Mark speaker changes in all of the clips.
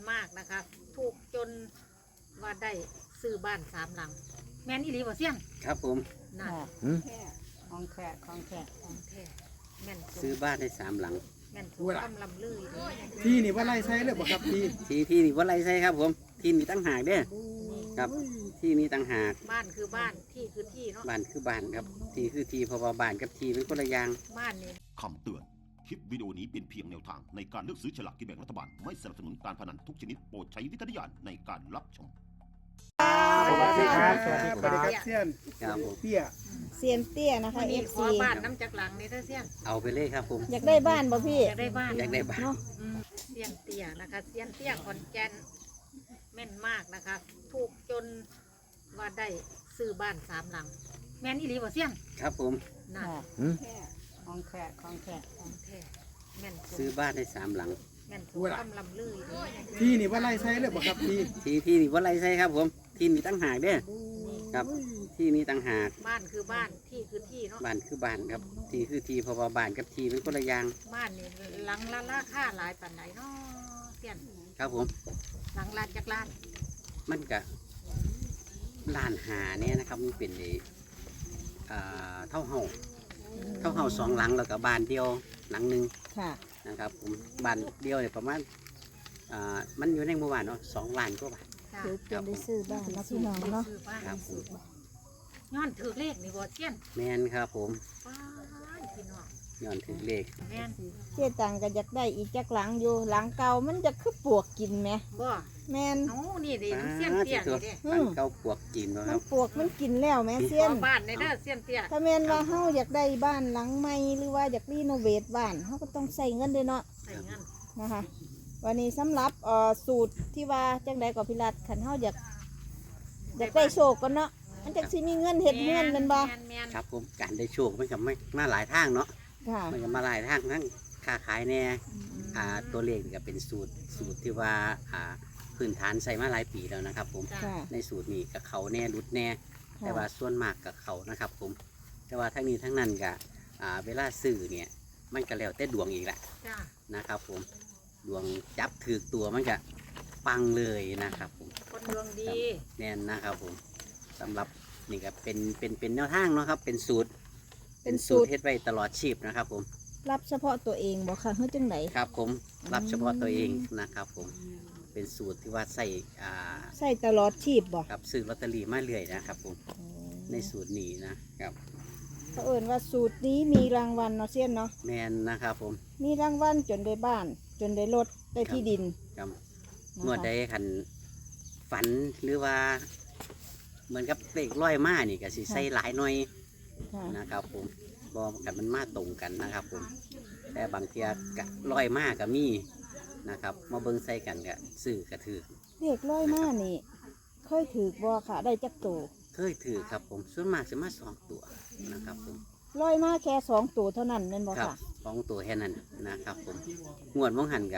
Speaker 1: มากนะคะถูกจนว่าได้ซื้อบ้าน3 หลังแม่นอีหลีบ่เสี่ยง
Speaker 2: ครับผม
Speaker 1: นั่น
Speaker 3: ของแท้ของแท้
Speaker 1: ของแท้แม่น
Speaker 2: ซื้อบ้านได้3 หลัง
Speaker 1: แม่นถูกกำลำลือเลย
Speaker 4: ที่นี่ว่าไล่ใช้เลยบ่ครับที่
Speaker 2: ที่นี่ว่าไรใช่ครับผมที่นี่ตั้งหากเด้อครับที่นี่ตั้งหาก
Speaker 1: บ้านคือบ้านที่คือที่เนาะ
Speaker 2: บ้านคือบ้านครับที่คือที่เพราะว่าบ้านกับที่เป็นคนละอย่าง
Speaker 1: บ้านนี่
Speaker 5: คำเตือน คลิปวิดีโอนี้เป็นเพียงแนวทางในการเลือกซื้อฉลากกินแบ่งรัฐบาล ไม่สนับสนุนการพนันทุกชนิดโปรดใช้วิจารณญาณในการรับชม
Speaker 4: สวัสดีครับ
Speaker 1: สวัสดีครับ
Speaker 4: เซียน
Speaker 2: ครับผม
Speaker 4: เตี้ย
Speaker 3: เซียนเตี้ยนะคะ
Speaker 1: วันนี้ข
Speaker 3: FC
Speaker 1: อบ้านน้ำจากหลังนี่เด้อเสี่ยง
Speaker 2: เอาไปเลยครับผม
Speaker 3: อยากได้บ้านบ่พี่
Speaker 1: อยากได้บ้าน
Speaker 2: อยากได้บ้าน
Speaker 3: เนาะ
Speaker 1: เสี่ยงเตี้ยนะคะเสี่ยงเตี้ยขอนแก่นแม่นมากนะคะถูกจนว่าได้ซื้อบ้าน3 หลังแม่นอีหลีบ่เสี่ยง
Speaker 2: ครับผม
Speaker 1: นั่น
Speaker 3: ของแท้ของแท้
Speaker 1: ของแท้แม่น
Speaker 2: ซื้อบ้านได้3 หลัง
Speaker 1: แม่นถูกกำลำลือเลย
Speaker 4: ที่นี่ว่าไล่ใช้เลยบ่ครับที่
Speaker 2: ที่นี่ว่าไรใช่ครับผมที่นี่ตั้งหากเด้อครับที่นี่ตั้งหาก
Speaker 1: บ้านคือบ้านที่คือที่เนาะ
Speaker 2: บ้านคือบ้านครับที่คือที่เพราะว่าบ้านกับที่เป็นคนละอย่าง
Speaker 1: บ้านนี่หลังละราคาหลายปานไหนเนาะเสี่ยง
Speaker 2: ครับผม
Speaker 1: หลังล้านจากล้าน
Speaker 2: มันก็ล้านหาเนี่ยนะครับมันเป็นเท่าเฮา2 หลังแล้วก็บ้านเดียวหลังหนึ่ง
Speaker 3: ค่ะ
Speaker 2: นะครับผมบ้านเดียวเนี่ยประมาณมันอยู่ในหมู่บ้านเนาะ2 ล้านกว่าบาท
Speaker 1: ค่ะ
Speaker 3: ถือเป็นได้ซื้อบ้านนะพี่น้องเนาะ
Speaker 1: ซื้อบ้าน
Speaker 2: ครับผม
Speaker 1: ย้อนถือเลขนี่บ่เสี่ยง
Speaker 2: แมนครับผม
Speaker 1: ป้านพี่น้อง
Speaker 2: ย้อนถึงเลข
Speaker 1: แม่น
Speaker 3: เจ๊ตังก็อยากได้อีกจักหลังอยู่หลังเก่ามันจะคือปวกกินไหม
Speaker 1: บ่
Speaker 3: แม่น
Speaker 1: เอ้านี่ดิน้ำเสี่ยงเตี้ยนี่เด้
Speaker 2: บ้านเก่าปวกจีนเนาะค
Speaker 3: มั
Speaker 2: รั
Speaker 3: น
Speaker 2: บ
Speaker 3: ปวกมันกินแล้วแม่เซียน
Speaker 1: ขอบ้านในเด้อเสี่ยงเตี้ย
Speaker 3: ถ้าแม่นว่าเฮาอยากได้บ้านหลังใหม่หรือว่าอยากรีโนเวทบ้านเฮาก็ต้องใส่เงินด้วยเนาะ
Speaker 1: ใส่เงิน
Speaker 3: นะคะวันนี้สำหรับสูตรที่ว่าจังใดก็พิรัตขันเฮาอยากได้โชคกันเนาะมันจังสิมีเงินเฮ็ดเงินแมันบ่
Speaker 1: แม่น
Speaker 2: ครับผมการได้โชคมันก็ไม่มาหลายทางเนาะ
Speaker 3: ค่ะ
Speaker 2: มันก็มาหลายทางทั้งค้าขายแน่ตัวเลขนี่ก็เป็นสูตรที่ว่าพื้นฐานใส่มาหลายปีแล้วนะครับผม
Speaker 1: จ้ะ
Speaker 3: ค่ะ
Speaker 2: ในสูตรนี้กับเขาแน่รุดแน่แต่ว่าส่วนมากกับเขานะครับผมแต่ว่าทั้งนี้ทั้งนั้นก็เวลาซื้อเนี่ยมันก็แล้วแต่ดวงอีกแหละ
Speaker 1: จ้า
Speaker 2: นะครับผมดวงจับถือตัวมันก็ปังเลยนะครับผม
Speaker 1: คนดวงดี
Speaker 2: แน่นนะครับผมสำหรับนี่ก็เป็นแนวทางเนาะครับเป็นสูตรเฮ็ดไว้ตลอดชีพนะครับผม
Speaker 3: รับเฉพาะตัวเองบ่ค่ะเฮ็ดจังได
Speaker 2: ครับผมรับเฉพาะตัวเองนะครับผมเป็นสูตรที่ว่าใส่
Speaker 3: ใส่ตลอดชีพบ่
Speaker 2: กับซื้อลอตเตอรี่มาเรื่อยนะครับผมในสูตรนี้นะครับ
Speaker 3: เขาเอิ้นว่าสูตรนี้มีรางวัลเนาะเซียนเนาะ
Speaker 2: แมนนะครับผม
Speaker 3: มีรางวัลจนได้บ้าน จนได้รถได้ที่ดิน
Speaker 2: ครับ
Speaker 3: นะคะ
Speaker 2: เมื่อใดคันฝันหรือว่าเหมือนกับเลขร้อยมานี่ก็สิใส่หลายหน่อย
Speaker 3: ค่ะ
Speaker 2: นะครับผมบอกกันมันมาตรงกันนะครับผมแต่บางเทียกะร้อยมาก็มีนะครับมาเบิ่งใส่กันก็ซื้อกระถือ
Speaker 3: เลขร้อยมานี่เคยถือบ่ค่ะได้จักตัว
Speaker 2: เคยถือครับผมส่วนมากจะมา2 ตัวนะครับผม
Speaker 3: ร้อยมาแค่2ตัวเท่านั้นแม่นบ่
Speaker 2: ครับ
Speaker 3: ค่ะ
Speaker 2: 2 ตัวแค่นั้นนะครับผมงวดมองหันกะ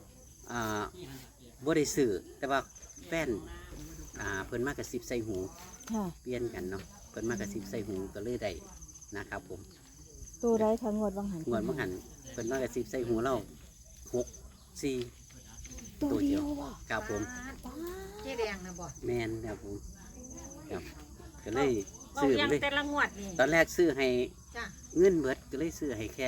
Speaker 2: บ่ได้ซื้อแต่ว่าแฟนเพิ่นมากระซิบใส่หู
Speaker 3: ค่ะ
Speaker 2: เปลี่ยนกันเนาะเพิ่นมากระซิบใส่หูก็เลยได้นะครับผม
Speaker 3: ตัวใดคะงวดวังหัน
Speaker 2: งวดมองหันเพิ่นมากระซิบใส่หูเรา6 4
Speaker 3: ตัวเดียวบ่
Speaker 2: ครับผม
Speaker 1: เจ๊แดงนะบ่
Speaker 2: แมนครับผมครับก็เลย
Speaker 1: เบา
Speaker 2: ซื้อ
Speaker 1: ยัง
Speaker 2: เลย
Speaker 1: แต่ละงวดนี่
Speaker 2: ตอนแรกซื้อให้
Speaker 1: จ้า
Speaker 2: เงินเบิดก็เลยซื้อให้แค่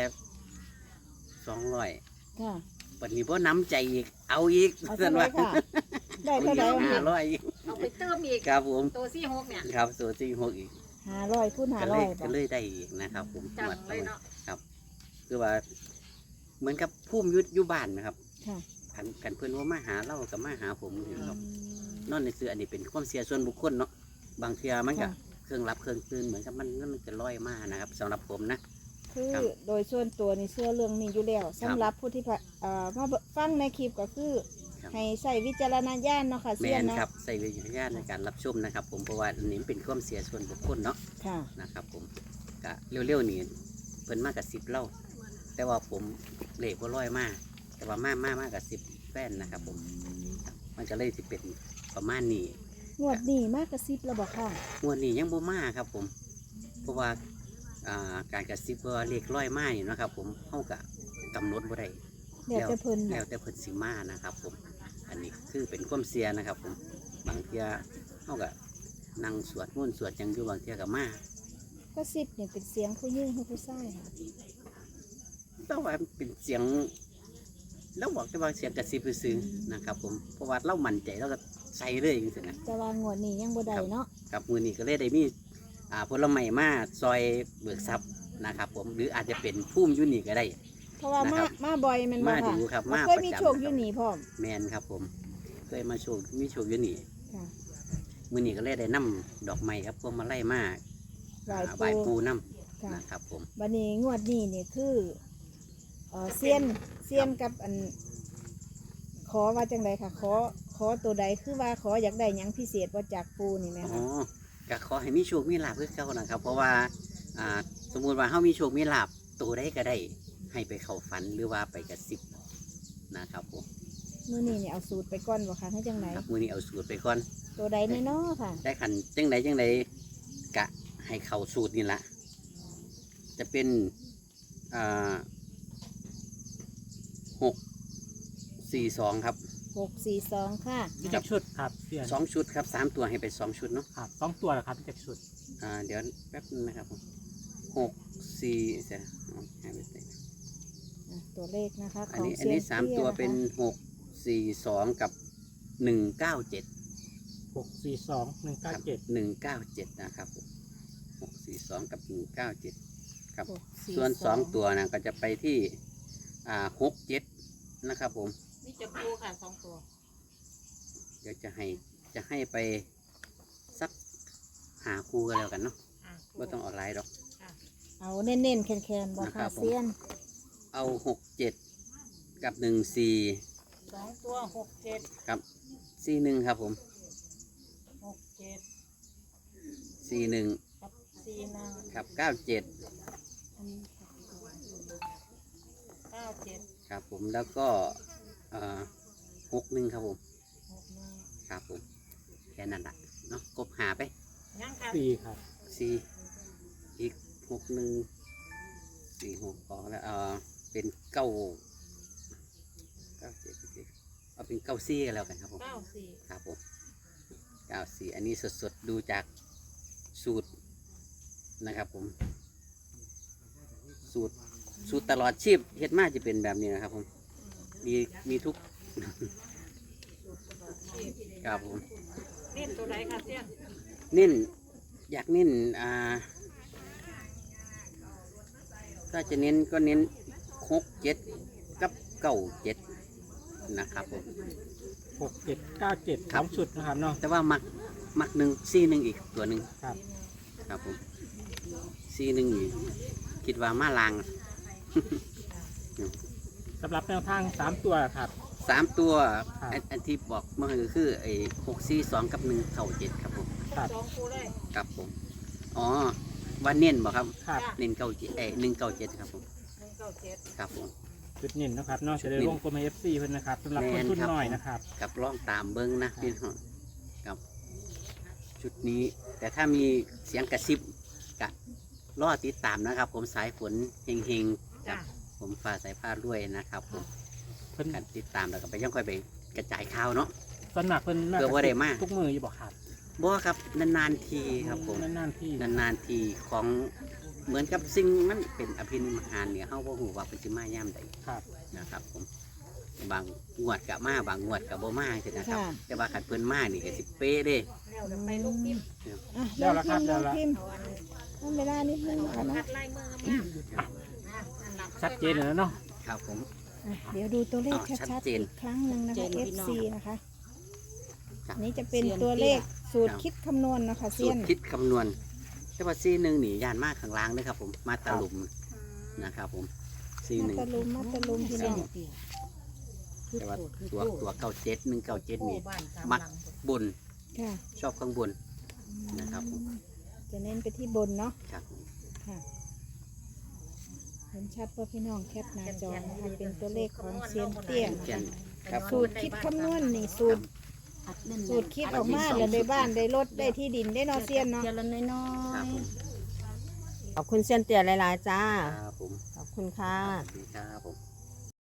Speaker 2: 200
Speaker 3: ค่ะ
Speaker 2: วันนี้พ่น้ำใจอีกเอาอีก
Speaker 3: เอาเท่าไหร่ค่ะ ได้เท่าไหร่
Speaker 2: เอา
Speaker 3: วะ
Speaker 2: อีก
Speaker 3: พี่
Speaker 2: 500อีก
Speaker 1: เอาไปเติมอีก
Speaker 2: ครับผม
Speaker 1: ตัว46เนี่ย
Speaker 2: ครับสูตรที่6อีก
Speaker 3: 500คูณ
Speaker 2: ก็เลย
Speaker 3: 500
Speaker 2: ก็
Speaker 3: บ่
Speaker 2: เลยได้อีกนะครับผม
Speaker 1: จังเลยเนาะ
Speaker 2: ครับคือว่าเหมือนกับพุ่มอยู่บ้านนะครับ
Speaker 3: ค่ะ
Speaker 2: กันเพื่อนว่ามาหาเรากับมาหาผมนี่ครับนอนในซื้ออันนี้เป็นความเสียส่วนบุคคลเนาะบางเทียมันก็
Speaker 3: ค่ะ
Speaker 2: เครื่องรับเครื่องตื่นเหมือนกับมันจะลอยมานะครับสำหรับผมนะ
Speaker 3: คือ
Speaker 2: ครับ
Speaker 3: โดยส่วนตัวนี่เชื่อเรื่องนี้อยู่แล้วสำหรับผู้ที่มาฟังในคลิปก็คือ
Speaker 2: ครับ
Speaker 3: ให้ใส่วิจารณญาณเนาะค่ะ
Speaker 2: แม
Speaker 3: เสียน
Speaker 2: น
Speaker 3: เนาะ
Speaker 2: ครับใส่วิจารณญาณในการรับชมนะครับ ผมเพราะว่าอันนี้เป็นความเสียส่วนบุคคลเนาะ
Speaker 3: ค่ะ
Speaker 2: นะครับผมกะเร็วๆนี่เพิ่นมากกับ10เล่าแต่ว่าผมเลขว่าร้อยมากแต่ว่ามากกับ10แฟนนะครับผมครับมันก็เลยสิเป็นประมาณนี้
Speaker 3: งวดนี้มากกระซิบแล้วบอกค่ะ
Speaker 2: งวดนี้ยังบ่มาครับผมเพราะว่าการกระซิบว่าเลขร้อยมานี่นะครับ ผมเฮากะกำหนดบ่ได้
Speaker 3: เดี๋ยวจะเพิ่น
Speaker 2: แล้วแต่เพิ่นสิมานะครับ ผมอันนี้คือเป็นความเสียนะครับผมบางเทียเขาก็นั่งสวดมุ่นต์สวดหยังอยู่บางเทียกับมา
Speaker 3: ก็สิบเนี่ยเป็นเสียงผู้หญิงหรือผู้ชายค่ะ
Speaker 2: แต่ว่าเป็นเสียงแล้วบอกแต่ว่าเสียงกระซิบซื่อๆนะครับผมเพราะว่าเรามั่นใจเราก็ใส่เลยอย่างนี้นะ
Speaker 3: แต่ว่างวดนี้ยังบ่ได้เนาะ
Speaker 2: ครับมือนี้ก็เลยได้มีผลไม้มาซอยเบิกทรัพย์นะครับผมหรืออาจจะเป็นพุ่มอยุนี่ก็ได้
Speaker 3: เพราะว่า
Speaker 2: นะ
Speaker 3: มา
Speaker 2: ครับ
Speaker 3: มาบ่อยแมันบ่
Speaker 2: มา
Speaker 3: ค่ะ
Speaker 2: ดูครับ
Speaker 3: บ่
Speaker 2: มา
Speaker 3: เคยมี
Speaker 2: ประจำ
Speaker 3: โชคอยู่นี่พร้อม
Speaker 2: แมนครับผมเคยมาโชว์มีโชว์อยุนี่
Speaker 3: ค่ะ
Speaker 2: มือนี้ก็เลยได้นำดอกไม้ครับพวงมาไล่มา
Speaker 3: หลาย
Speaker 2: ใบาย
Speaker 3: ปู
Speaker 2: ปูน้
Speaker 3: ค่ะ
Speaker 2: ำนะครับผม
Speaker 3: บัดนี้งวดนี้นี่คือเซียนกับอันขอว่าจังไดค่ะ ขอตัวใดคือว่าขออยากได้หยังพิเศษว่าจากปูนี่ไหม
Speaker 2: อ๋
Speaker 3: คะ
Speaker 2: อก็ขอให้มีโชคมีลาภเพื่อเขานะครับ เพราะว่าสมมุติว่าเขามีโชคมีลาภตัวใดก็ได้ให้ไปเข้าฝันหรือว่าไปกระซิบนะครับผม
Speaker 3: มื้อนี้นี่เอาสูตรไปก่อนบ่คะให้จังได
Speaker 2: ครับมือนี้เอาสูตรไปก่อน
Speaker 3: ตัวใดแน่เนาะค่ะ
Speaker 2: ได้ขันจังใดกะให้เข้าสูตรนี่ละจะเป็น642ครับ
Speaker 3: 642ค่ะ
Speaker 6: มีจักชุดครับเสียน
Speaker 2: 2 ชุดครับ3 ตัวให้ไป2 ชุดเนาะ
Speaker 6: ครับ2 ตัวเหรอครับมีจักชุด
Speaker 2: เดี๋ยวแป๊บนึงนะครับผม6 4เสียเอาให้ไปเลย
Speaker 3: ตัวเลขนะคะข
Speaker 2: อัน
Speaker 3: อง
Speaker 2: นี้
Speaker 3: เซียน
Speaker 2: สาม
Speaker 3: เตี้ย
Speaker 2: ตัว
Speaker 3: นะคะ
Speaker 2: เป็น642กับ197
Speaker 6: 642
Speaker 2: ครับ
Speaker 6: 197
Speaker 2: 197นะครับผม642กับ197ครับ
Speaker 3: 642
Speaker 2: ส่วน2ตัวนะก็จะไปที่67นะครับผม
Speaker 1: นี่จะปูค่ะ2 ตัว
Speaker 2: เดี๋ยวจะให้ไปสักหาคู่กันแล้วกันเนาะ
Speaker 1: อ่ะ
Speaker 2: ไม่ต้องออนไลน์หรอก
Speaker 3: เอาเน้นๆแคนๆบ่
Speaker 2: นะครั
Speaker 3: ค่ะ
Speaker 2: บผม
Speaker 3: เซียน
Speaker 2: เอา67กับ14
Speaker 1: 2 ตัว67
Speaker 2: กับ41ครับผม
Speaker 1: 67
Speaker 2: 41
Speaker 1: กับ41
Speaker 2: ครับ97
Speaker 1: 97
Speaker 2: ครับผมแล้วก็61ครับผม
Speaker 1: 61
Speaker 2: ครับผมแค่นั้นแหละเนาะกบหาไป
Speaker 1: ยังค่ะ
Speaker 6: 4ครับ
Speaker 2: 4อีก61 46พอแล้วเป็น9 7เอาเป็น94กันแล้วกันครับผม
Speaker 1: 94
Speaker 2: ครับผม94อันนี้สดๆดูจากสูตรนะครับผมสูตรตลอดชีพเฮ็ดมาจะเป็นแบบนี้นะครับผมมีทุก ครับผม
Speaker 1: เน้นตัวไหนค่ะเสี้ยน
Speaker 2: เน้นอยากเน้นถ้าจะเน้นก็เน้น67กับ97นะครับผม
Speaker 6: 67 97 2 ชุดนะครับเนาะ
Speaker 2: แต่ว่ามัก1 4 1อีกตัวหนึ่ง
Speaker 6: ครับ
Speaker 2: ครับผม4 1นี่คิดว่ามาลาง
Speaker 6: สำหรับแนวทาง 3 ตัวครับ
Speaker 2: 3 ตัว
Speaker 6: ครับ
Speaker 2: อันที่บอกเมื่อกี้คือไอ้642กับ197ครับผม
Speaker 6: ครับ
Speaker 1: 2 คู่เลย
Speaker 2: ครับผมอ๋อว่าเน้นบ่ครับ
Speaker 6: ครับ
Speaker 2: เน้น197ครับผม
Speaker 1: 197
Speaker 2: ครับผม
Speaker 6: จุดเน้นนะครับเนาะจะได้วงกลม FC เพิ่นนะครับสำหรับคนทุนน้อยนะครับ
Speaker 2: กับลองตามเบิ้งนะพี่น้องครับชุดนี้แต่ถ้ามีเสียงกระซิบกะรอติดตามนะครับ ผมสายฝนเฮงๆกับผมฟ้าสายผ้าด้วยนะครับผม
Speaker 6: เพิ่น
Speaker 2: การติดตามแล้วก็ไปยังค่อยไปกระจายข่าวเนาะ
Speaker 6: สนักเพิ่นน่า
Speaker 2: เพื่อว่าได้มา
Speaker 6: ทุกมืออยู่บ่ครับ
Speaker 2: บ่ครับนานๆทีครับผม
Speaker 6: นานๆที่
Speaker 2: นานๆทีของเหมือนกับสิ่งมันเป็นอภินิหารเนี่ยเฮาบ่ฮู้ว่าเพิ่นสิมาย่ามใด
Speaker 6: ครับ
Speaker 2: นะครับผมบางงวดกับมาบางงวดกับบ่มาจังนะครับ
Speaker 3: ค่ะ
Speaker 2: แต่ว่าคันเพิ่นมานี่ก็สิเป๊ะเด้
Speaker 1: แล้วเดี๋ยวไปลูกพิมพ์
Speaker 3: อ่ะ
Speaker 6: แล้วละครับ
Speaker 3: ล
Speaker 6: แล้ว
Speaker 3: อง
Speaker 6: ละ
Speaker 3: พิมพ์
Speaker 1: เอาอัน
Speaker 3: ต้องเวลานิดนึงค่ะ
Speaker 1: คั
Speaker 3: เนาะ
Speaker 1: ดลายมืองามๆนั่นล่ะ
Speaker 6: ชัดเจนแล้วเนาะ
Speaker 2: ครับผม
Speaker 3: อ่ะเดี๋ยวดูตัวเลข
Speaker 2: ชั
Speaker 3: ชั
Speaker 2: ด
Speaker 3: ด
Speaker 2: เจ
Speaker 3: ๆ
Speaker 2: น
Speaker 3: อีกครั้งหนึ่งนะคะ FC นะคะ
Speaker 2: ครับ
Speaker 3: อันนี้จะเป็นตัวเลขสูตรคิดคำนวณนะคะ
Speaker 2: สู
Speaker 3: เซีย
Speaker 2: ต
Speaker 3: น
Speaker 2: รคิดคำนวณ แต่ว่าซีหนึ่งนี่ยานมากข้างล่างเลยครับผมมาตะลุมนะครับผมซีห
Speaker 3: มา
Speaker 2: นึ่ง
Speaker 3: ตะลุมพี่น้อง
Speaker 2: แต่ว่าตัว97 197นี่
Speaker 1: บ้านสาม
Speaker 2: มัก
Speaker 1: หลัง
Speaker 2: บน
Speaker 3: ค่ะ
Speaker 2: ชอบข้างบน นะครับผม
Speaker 3: จะเน้นไปที่บนเนาะ
Speaker 2: ครับ
Speaker 3: ค่ะเห็นชัดว่าพี่น้องแคปหน้าจอนะคะเป็นตัวเลขของเซียนเตี้ยนะ
Speaker 2: เช่น
Speaker 3: คะ
Speaker 2: ครับ
Speaker 3: สูตรคิดคำนวณนี่สูตรคิดออกมาแล้วได้บ้านได้รถได้ที่ดินได้เนอเซียนเนาะ
Speaker 7: เจริญน้อ
Speaker 2: ครับ
Speaker 7: ย
Speaker 2: ผม
Speaker 7: ๆขอบคุณเซียนเตี่ยหลายๆจ้า
Speaker 2: ครับผม
Speaker 7: ขอบคุณค่ะ
Speaker 2: สวัสดีครับผม